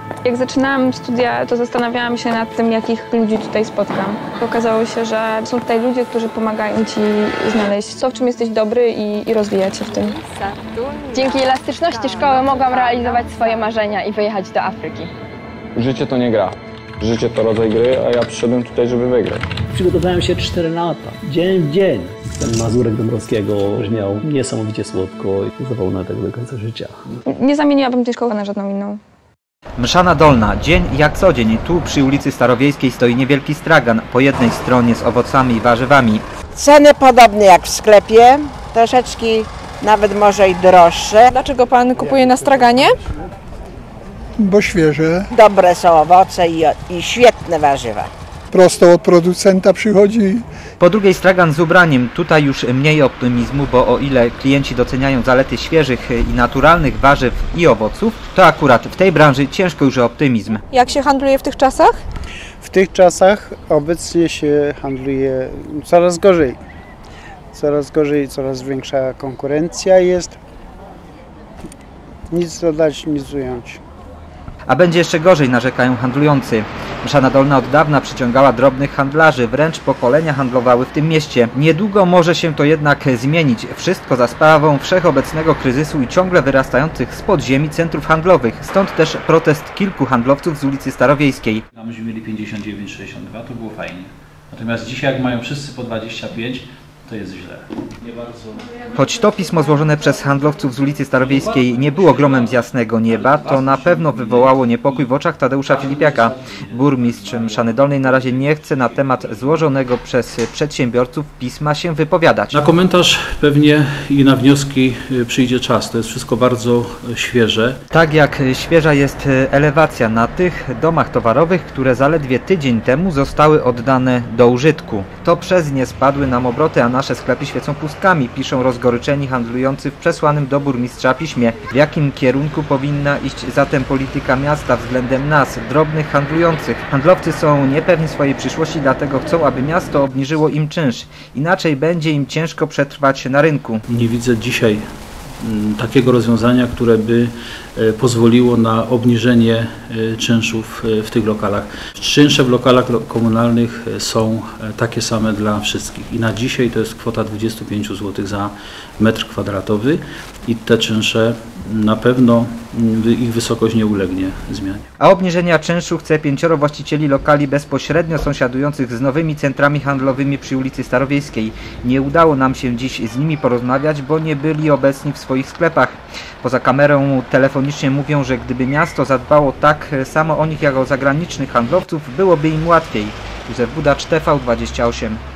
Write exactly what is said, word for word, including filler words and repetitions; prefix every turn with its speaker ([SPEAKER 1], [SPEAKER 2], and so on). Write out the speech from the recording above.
[SPEAKER 1] Jak zaczynałam studia, to zastanawiałam się nad tym, jakich ludzi tutaj spotkam. Okazało się, że są tutaj ludzie, którzy pomagają ci znaleźć to, w czym jesteś dobry i, i rozwijać się w tym.
[SPEAKER 2] Dzięki elastyczności szkoły mogłam realizować swoje marzenia i wyjechać do Afryki.
[SPEAKER 3] Życie to nie gra. Życie to rodzaj gry, a ja przyszedłem tutaj, żeby wygrać.
[SPEAKER 4] Przygotowałem się cztery lata, dzień w dzień. Ten Mazurek Dąbrowskiego brzmiał niesamowicie słodko i zapomnę tego do końca życia.
[SPEAKER 1] Nie zamieniłabym tej szkoły na żadną inną.
[SPEAKER 5] Mszana Dolna. Dzień jak co dzień. Tu przy ulicy Starowiejskiej stoi niewielki stragan. Po jednej stronie z owocami i warzywami.
[SPEAKER 6] Ceny podobne jak w sklepie, troszeczkę nawet może i droższe.
[SPEAKER 7] Dlaczego pan kupuje na straganie?
[SPEAKER 8] Bo świeże.
[SPEAKER 6] Dobre są owoce i, i świetne warzywa.
[SPEAKER 8] Prosto od producenta przychodzi.
[SPEAKER 5] Po drugiej stragan z ubraniem. Tutaj już mniej optymizmu, bo o ile klienci doceniają zalety świeżych i naturalnych warzyw i owoców, to akurat w tej branży ciężko już o optymizm.
[SPEAKER 7] Jak się handluje w tych czasach?
[SPEAKER 9] W tych czasach obecnie się handluje coraz gorzej. Coraz gorzej, coraz większa konkurencja jest. Nic dodać, nic ująć.
[SPEAKER 5] A będzie jeszcze gorzej, narzekają handlujący. Mszana Dolna od dawna przyciągała drobnych handlarzy, wręcz pokolenia handlowały w tym mieście. Niedługo może się to jednak zmienić. Wszystko za sprawą wszechobecnego kryzysu i ciągle wyrastających z podziemi centrów handlowych. Stąd też protest kilku handlowców z ulicy Starowiejskiej.
[SPEAKER 10] A myśmy mieli pięćdziesiąt dziewięć sześćdziesiąt dwa, to było fajnie. Natomiast dzisiaj, jak mają wszyscy po dwadzieścia pięć, to jest źle. Nie bardzo.
[SPEAKER 5] Choć to pismo złożone przez handlowców z ulicy Starowiejskiej nie było gromem z jasnego nieba, to na pewno wywołało niepokój w oczach Tadeusza Filipiaka. Burmistrz Mszany Dolnej na razie nie chce na temat złożonego przez przedsiębiorców pisma się wypowiadać.
[SPEAKER 10] Na komentarz pewnie i na wnioski przyjdzie czas. To jest wszystko bardzo świeże.
[SPEAKER 5] Tak jak świeża jest elewacja na tych domach towarowych, które zaledwie tydzień temu zostały oddane do użytku. To przez nie spadły nam obroty, a nasze sklepy świecą pustkami, piszą rozgoryczeni handlujący w przesłanym do burmistrza piśmie. W jakim kierunku powinna iść zatem polityka miasta względem nas, drobnych handlujących? Handlowcy są niepewni swojej przyszłości, dlatego chcą, aby miasto obniżyło im czynsz. Inaczej będzie im ciężko przetrwać na rynku.
[SPEAKER 10] Nie widzę dzisiaj takiego rozwiązania, które by pozwoliło na obniżenie czynszów w tych lokalach. Czynsze w lokalach komunalnych są takie same dla wszystkich i na dzisiaj to jest kwota dwadzieścia pięć złotych za metr kwadratowy i te czynsze na pewno ich wysokość nie ulegnie zmianie.
[SPEAKER 5] A obniżenia czynszu chce pięcioro właścicieli lokali bezpośrednio sąsiadujących z nowymi centrami handlowymi przy ulicy Starowiejskiej. Nie udało nam się dziś z nimi porozmawiać, bo nie byli obecni w swoich sklepach. Poza kamerą telefonicznie mówią, że gdyby miasto zadbało tak samo o nich jak o zagranicznych handlowców, byłoby im łatwiej. Józef Budacz, T V dwadzieścia osiem.